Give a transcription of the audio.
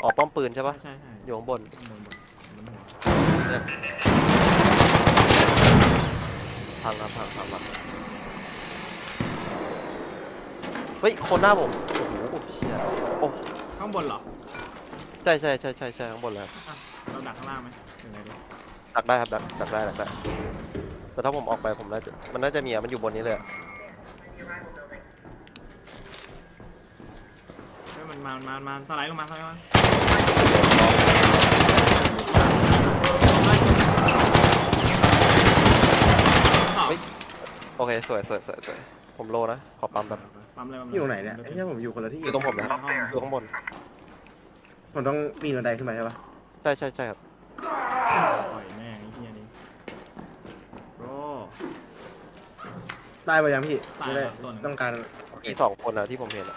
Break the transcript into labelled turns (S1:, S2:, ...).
S1: อ๋อป้อมปืนใช่ปะ
S2: ใช่ใช่
S1: อยู่ข้างบน
S2: บนหัว
S1: เนี่ยพังครับพังเฮ้ยคนหน้าผมโอ้โหเชี่ยโอ้
S2: ข้างบนเหรอ
S1: ใช่ข้างบนเลยครับ
S2: อ่ะเราดักข้างล่างไหมหรือไงดี
S1: ดักได้ครับดักได้แต่ถ้าผมออกไปผมน่าจะมันน่าจะมีอะมันอยู่บนนี้เลยอะ
S2: เฮ้ยมันสไลด์ลงมาขอบ
S1: เฮ้ยโอเคสวยผมโลนะขอปั๊มแบบ
S2: ปั๊มเลยปั๊มเลย
S3: อยู่ไหนเนี่ยไอ้เหี้ยผมอยู่คนละที่
S1: อยู่ตรงผมนะครับอยู่ข้างบน
S3: ผมต้องปีนบันไดขึ้นไปใช่ปะ
S1: ใช่ครับ
S2: ปล่อยแม่งไอ้เหี้ยนี่โบร
S3: ตายไปยังพี่
S2: ตาย
S3: ไม่
S2: แล้
S3: ได้
S2: วตัวหนึ่ง
S3: ต้องการ
S1: มี2 คนอะที่ผมเห็นอะ